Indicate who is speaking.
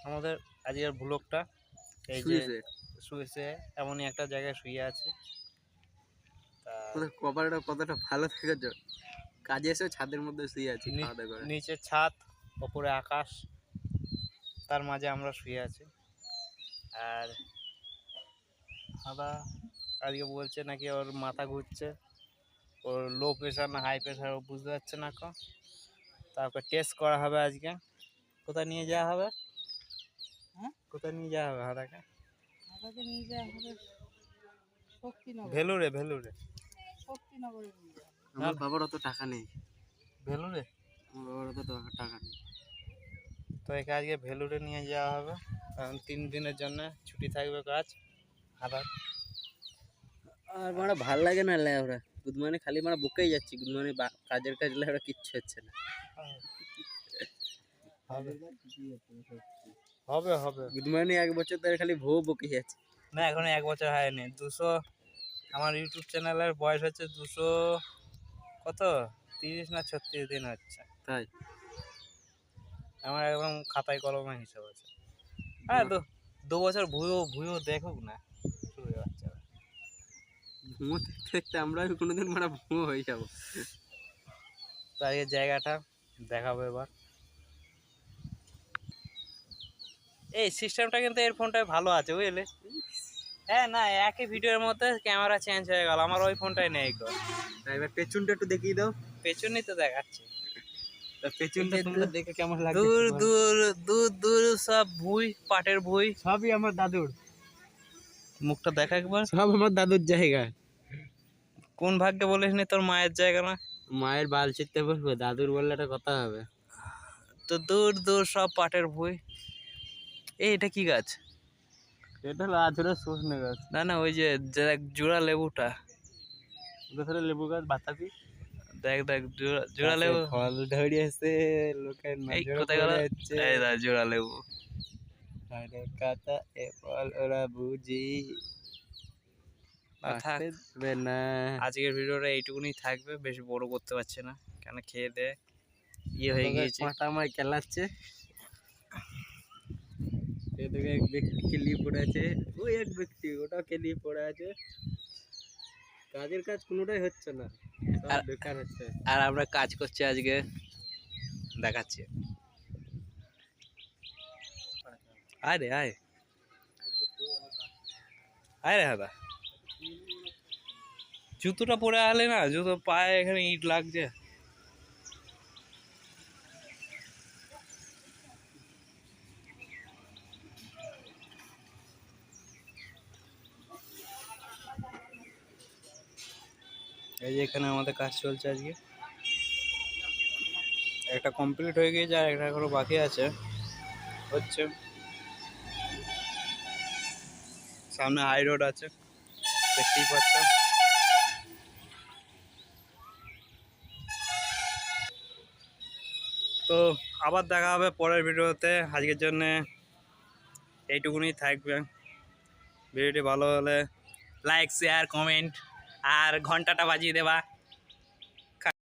Speaker 1: আমাদের আজকের ব্লগটা এই যে শুয়েছে এমনই একটা জায়গায় শুয়ে আছে।
Speaker 2: কপালটা কতটা ভালো থেকেছ, কাজে এসে ছাদের মধ্যে শুয়ে আছি খাওয়া দাওয়া করে।
Speaker 1: নিচে ছাদ, ওপরে আকাশ, তার মাঝে আমরা শুয়ে আছি। আর দাদা আজকে বলছে নাকি ওর মাথা ঘুরছে, ওর লো প্রেশার না হাই প্রেশার ও বুঝতে পারছে না। তারপর টেস্ট করা হবে আজকে। কোথায় নিয়ে যাওয়া হবে? হ্যাঁ, কোথায় নিয়ে যাওয়া হবে হাদাকে? হাদাকে নিয়ে যাওয়া হবে ভেলুরে। শক্তিনগরে নিয়ে যাওয়া।
Speaker 2: আমার বাবার অত টাকা নেই।
Speaker 1: ভেলুরে?
Speaker 2: আমার বাবার অত টাকা নেই।
Speaker 1: তো একে আজকে ভেলুরে নিয়ে যাওয়া হবে, কারণ 3 দিনের জন্য ছুটি থাকবে কাজ হাদার।
Speaker 2: আর মানে ভাল লাগে না লেওরা, গুদমানি খালি মানে বুকেই যাচ্ছি, গুদমানি কাজের কাজ লেওরা কিচ্ছু হচ্ছে না।
Speaker 1: হবে হবে
Speaker 2: গুদমানি 1 বছর ধরে খালি বকে যাচ্ছে।
Speaker 1: না, এখন 1 বছর হয়নি। 200 আমার ইউটিউব চ্যানেলের বয়স হচ্ছে 200 কত 30 না 36 দিন হচ্ছে।
Speaker 2: তাই
Speaker 1: আমার একদম খাতায় কলমে হিসাব আছে। হ্যাঁ, তো 2 বছর ভুয়ো দেখুক না শুয়ে বাচ্চারা।
Speaker 2: ভুয়ো দেখতে দেখতে আমরা কোনোদিন মানে ভুয়ো হয়ে যাবো।
Speaker 1: তো আজকে জায়গাটা দেখাবো এবার। এই সিস্টেমটা কিন্তু এর ফোনটায় ভালো আছে বুঝলে। হ্যাঁ, না একই ভিডিওর মধ্যে ক্যামেরা চেঞ্জ হয়ে গেল, আমার ওই ফোনটাই নেই।
Speaker 2: এবার পেছনটা একটু দেখিয়ে দাও।
Speaker 1: পেছনই তো দেখাচ্ছে।
Speaker 2: পেছনটা তোমরা দেখে কেমন লাগে?
Speaker 1: দূর দূর দূর দূর সব ভুঁই, পাটের ভুঁই,
Speaker 2: সবই আমার দাদুর।
Speaker 1: মুখটা দেখা একবার।
Speaker 2: সব আমার দাদুর জায়গা।
Speaker 1: কোন ভাগ্যে বলিস নি তোর মায়ের জায়গা না?
Speaker 2: মায়ের বাল চিত্তে বলবো, দাদুর বললে একটা কথা হবে।
Speaker 1: তো দূর দূর সব পাটের ভুঁই। এটা কি গাছ?
Speaker 2: এটা হলো আধুরা সজনে গাছ।
Speaker 1: না ওই যে জোড়া লেবুটা।
Speaker 2: ওটা লেবু গাছ বাতাবি।
Speaker 1: দেখ জোড়া লেবু
Speaker 2: ফল ধরিয়েছে লোকের নজরে পড়েছে।
Speaker 1: এই দা জোড়া লেবু।
Speaker 2: আরে কথা এ ফল ওরা বুঝি আসবে না।
Speaker 1: আজকের ভিডিওটা এইটুকুনি থাকবে, বেশি বড় করতে পারছি না, কেন খেয়ে দে হয়ে গিয়েছে।
Speaker 2: পাটা আমায় কেলাচ্ছে। এদিকে এক ব্যক্তি কেলিয়ে পড়ে আছে, ওই এক ব্যক্তি ওটাও কেলিয়ে পড়ে আছে। কাজের কাজ কোনোটাই হচ্ছে না, সব বেকার হচ্ছে।
Speaker 1: আর আমরা কাজ করছি আজকে, দেখাচ্ছি। আয় রে আয় রে দাদা, জুতোটা পরে আলে না, জুতো পায়ে এখানে ইট লাগছে। এই যে এখানে আমাদের কাজ চলছে আজকে, একটা কমপ্লিট হয়ে গিয়েছে আর একটা এখনো বাকি আছে, হচ্ছে। সামনে হাই রোড আছে, দেখতেই পাচ্ছ। তো আবার দেখা হবে পরের ভিডিওতে। আজকের জন্য এইটুকুনি থাকবে। ভিডিওটি ভালো হলে লাইক, শেয়ার, কমেন্ট আর ঘন্টাটা বাজিয়ে দেবা।